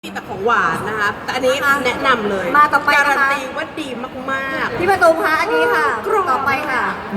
มีแต่ของหวานนะคะแต่อันนี้แนะนำเลยมาต่อไปนะคะการันตีว่าดีมากๆพี่ประตูคะอันนี้ค่ะกรอบต่อไปค่ะ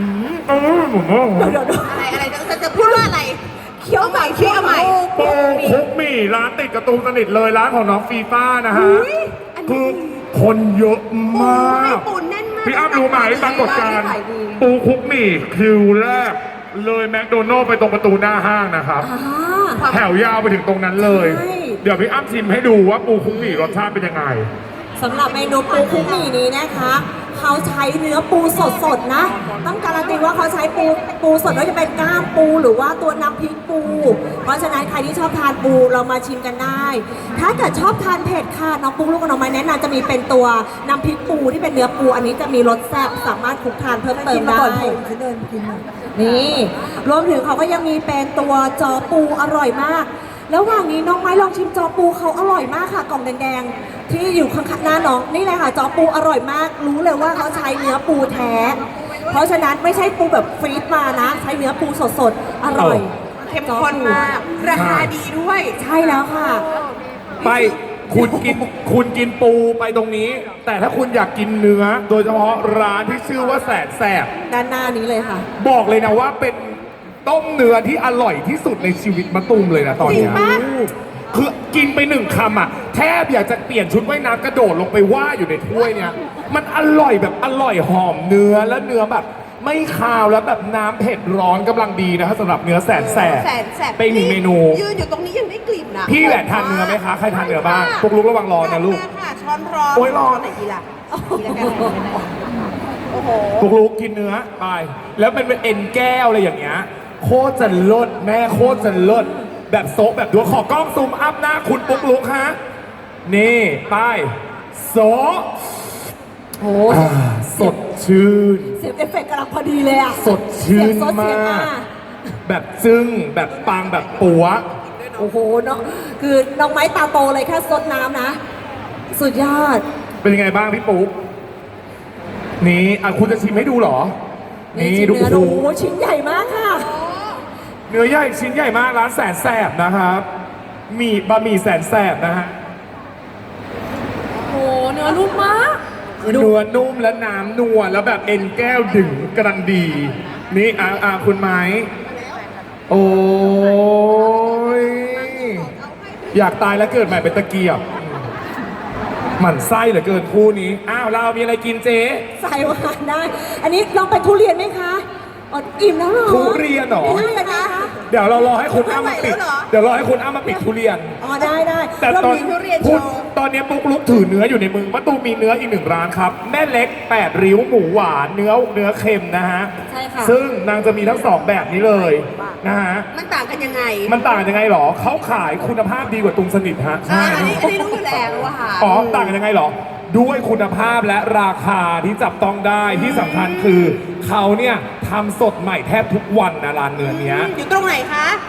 อะไรจะพูดว่าอะไรเคี้ยวใหม่เคี้ยวใหม่ปูคุกหมี่ร้านติดการ์ตูนสนิทเลยร้านของน้องฟีฟ่านะฮะอันคืนี้อคนเยอะมากปูแน่นมากพี่อ้ำรู้ไหมปรากฏการณ์ขายดีปูคุกหมี่คิวแรกเลยแมคโดนัลล์ไปตรงประตูหน้าห้างนะครับ แถวยาวไปถึงตรงนั้นเลยใช่เดี๋ยวพี่อ้ำชิมให้ดูว่าปูคุกหมี่รสชาติเป็นยังไงสำหรับเมนูปูคุกหมี่นี้นะคะ เขาใช้เนื้อปูสดๆนะ ต้องการันตีว่าเขาใช้ปูสดไม่ว่าจะเป็นก้ามปูหรือว่าตัวน้ำพริกปู เพราะฉะนั้นใครที่ชอบทานปูเรามาชิมกันได้ ถ้าเกิดชอบทานเผ็ดค่ะน้องปุ๊กลูกกับน้องไม้แนะนำจะมีเป็นตัวน้ำพริกปูที่เป็นเนื้อปู อันนี้จะมีรสแซ่บสามารถคลุกทานเพิ่มเติมได้ฉันเดินกินหน่อยนี่รวมถึงเขาก็ยังมีเป็นตัวจอปูอร่อยมาก แล้วระหว่างนี้น้องไม้ลองชิมจอปูเขาอร่อยมากค่ะกล่องแดงๆที่อยู่ข้างๆหน้าน้องนี่เลยค่ะจอปูอร่อยมาก รู้เลยว่าเขาใช้เนื้อปูแท้ เพราะฉะนั้นไม่ใช่ปูแบบฟรีซมานะ ใช้เนื้อปูสดๆอร่อยเข้มข้นมาก ราคาดีด้วยใช่แล้วค่ะไปคุณกินปูไปตรงนี้ แต่ถ้าคุณอยากกินเนื้อ โดยเฉพาะร้านที่ชื่อว่าแสนแสบด้านหน้านี้เลยค่ะบอกเลยนะว่าเป็นต้มเนื้อที่อร่อยที่สุดในชีวิตมะตูมเลยนะตอนเนี้ยจริงปะคือกินไปหนึ่งคำอ่ะแทบอยากจะเปลี่ยนชุดว่ายน้ำกระโดดลงไปว่ายอยู่ในถ้วยเนี่ยมันอร่อยแบบอร่อยหอมเนื้อแล้วเนื้อแบบไม่คาวแล้วแบบน้ำเผ็ดร้อนกำลังดีนะครับสำหรับเนื้อแสนแสบแสนแสบเป็นอีกเมนูยืนอยู่ตรงนี้ยังได้กลิ่นนะพี่แหวนทานเนื้อไหมคะใครทานเนื้อบ้างพวกลูกระวังร้อนนะลูกค่ะช้อนร้อนโอ้ยร้อนไหนดีล่ะดีแล้วกันโอ้โหพวกลูกกินเนื้อไปแล้วเป็นเอ็นแก้วอะไรอย่างเงี้ยโคตรจะเลิศแม่โคตรจะเลิศแบบโซะแบบดูขอกล้องซูมอัพหน้าคุณปุ๊กลุกฮะนี่ไปโซะโอ้สดชื่นเสียงเอฟเฟกต์กำลังพอดีเลยอ่ะสดชื่นเสียงซดเสียงมากอ่ะแบบจึ้งแบบปังแบบปัวโอ้โหเนาะคือน้องไม้ตาโตเลยแค่ซดน้ำนะ สุดยอดเป็นยังไงบ้างพี่ปุ๊กนี่คุณจะชิมให้ดูเหรอ นี่ชิ้นดูเนื้อดูโอ้โหชิ้นใหญ่มากค่ะเนื้อใหญ่ชิ้นใหญ่มากร้านแสนแสบนะครับมีบะหมี่แสนแสบนะฮะโอ้เนื้อนุ่มมากคือเนื้อนุ่มและน้ำนัวแล้วแบบเอ็นแก้วดึงกำลังดี นี่คุณไม้ โอ้ยอยากตายแล้วเกิดใหม่เป็นตะเกียบหมั่นไส้เหลือเกินคู่นี้ อ้าวเรามีอะไรกินเจ๊ใส่หวานได้ อันนี้ลองเป็นทุเรียนไหมคะอ๋ออิ่มแล้วเหรอทุเรียนเหรอไม่ได้นะคะเดี๋ยวเรารอให้คุณอ้ามาปิด เดี๋ยวรอให้คุณอ้ามาปิดทุเรียนอ๋อได้ได้แต่เราตอนมีทุเรียนโชคุณว์ตอนนี้ปุ๊กลุกถือเนื้ออยู่ในมือมะตูมมีเนื้ออีกหนึ่งร้านครับ แม่เล็ก 8 ริ้วหมูหวานเนื้อเค็มนะฮะใช่ค่ะซึ่งนางจะมีทั้งสองแบบนี้เลยนะฮะมันต่างกันยังไงมันต่างยังไงหรอ เขาขายคุณภาพดีกว่าตุงสนิทฮะอันนี้รู้อยู่แล้วว่าอ๋อต่างกันยังไงหรอ ด้วยคุณภาพและราคาที่จับต้องได้ที่สำคัญคือเขาเนี่ยทำสดใหม่แทบทุกวันนะร้านเนื้อเนี้ยอยู่ตรงไหนคะ